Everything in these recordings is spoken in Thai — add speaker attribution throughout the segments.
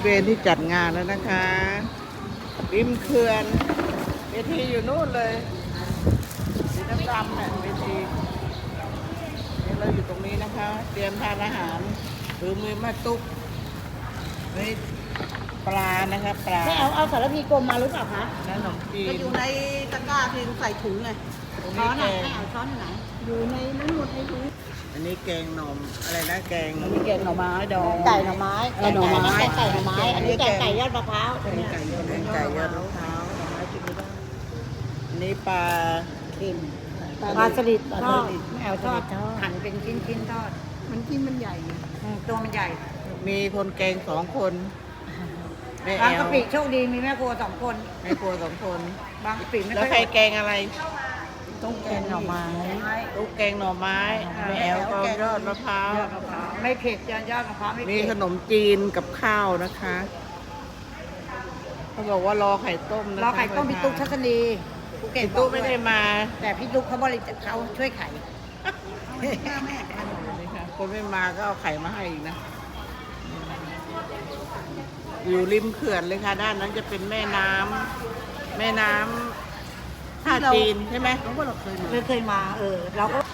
Speaker 1: เวณที่จัดงานแล้วนะคะริมเขื่อนเวทีอยู่นู่นเลยสีดำๆเนี่ยเวทีนี่เราอยู่ตรงนี้นะคะ เตรียมทานอาหารหรือมือมาตุ๊กนี่ปลานะคะปลา
Speaker 2: ไม่เอาสารพีกลมมาหรือเปล่าคะ
Speaker 1: ขนมจีน
Speaker 2: ก็อยู่ในตะกร้าเพียงใส่ถุงไง
Speaker 1: ตรง
Speaker 2: ช้
Speaker 1: นี้
Speaker 2: อน
Speaker 1: แก
Speaker 2: อ่ะ
Speaker 1: ง
Speaker 2: ไม่เอาช้อนที่ไหน อยู่ในนั้นหมดในถุง
Speaker 1: อันนี้แกงหน่อมอะไรนะแกง
Speaker 2: มีแกงหน่อไม้ดองไก่หน่อไม้หน่อไม้ไก่หน่อไม้อันนี้แกงไก่ยอดมะพร้าว
Speaker 1: แกงไก่ยอดมะพร้าวหน่อไม้กินไม่ได้อันนี้ปลา
Speaker 2: เค็มปลาสลิดทอดไม่เอาทอดหั่นเป็นชิ้นทอดมันชิ้นมันใหญ่ตัวมันใหญ่
Speaker 1: มีคนแกง2 คนแม่แอ
Speaker 2: บาง
Speaker 1: ล
Speaker 2: กะปิโชคดีมีแม่ครัว2 คน
Speaker 1: แม่ครัว2 คน
Speaker 2: บางกะปิไม่
Speaker 1: แล้ว
Speaker 2: ค่อย
Speaker 1: ใครแกงอะไร
Speaker 2: ต้องแกงหน่อไม้
Speaker 1: ลูกแกงหน่อไม้แม่แอลก็ยอดมะพร้าว
Speaker 2: ไม่เผ็ดยอดมะพร้าวไม่
Speaker 1: มี
Speaker 2: เผ็ด
Speaker 1: ขนมจีนกับข้าวนะคะเขาบอกว่ารอไข่ต้มนะคะ
Speaker 2: เราไข่ต้มพี่ตุ๊กทัศนีภูเก็ต
Speaker 1: พี่ตุ๊กไม่ได้มา
Speaker 2: แต่พี่ตุ๊กเขาบริจาคเขาช่วยไข่
Speaker 1: นี่ค่ะคนไม่มาก็เอาไข่มาให้อีกนะ อยู่ริมเขื่อนเลยค่ะ ด้านนั้นจะเป็นแม่น้ำท่าจีนใช่ไหม
Speaker 2: เคยมาเราก็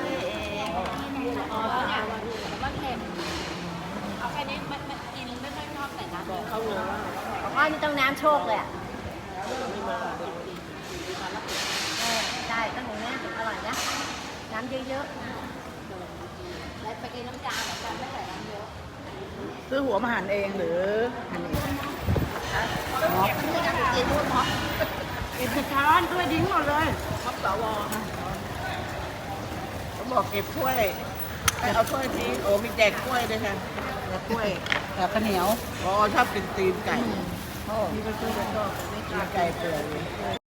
Speaker 3: เอาแค่นี้มันกินไม่ค่อยชอบใส่น้ำเยอะ
Speaker 1: เขาเลยว่า
Speaker 3: อ๋อนี่ต้องน้ำโชคเลยอ่ะใช่ต้องอย่างนี้ถึงอร่อยนะ น้ำเยอะๆแล้วไปกินน้ำจางเหมือนกันไม่ใส่น้ำเยอะ
Speaker 2: ซื้อหัวมาหั่นเองหรือหั่นเองกินช้อนด้วยดิ้งหมดเลย
Speaker 1: เขาบอกเก็บถ้วยให้เอาถ้วยนี้โอ้มีแจกถ้วยด้วยค่ะแจกถ้วย
Speaker 2: กับข้าวเหนียว
Speaker 1: อ๋อชอบกินตีนไก่นี่ก็คือชอบตีนไก่เปื่อย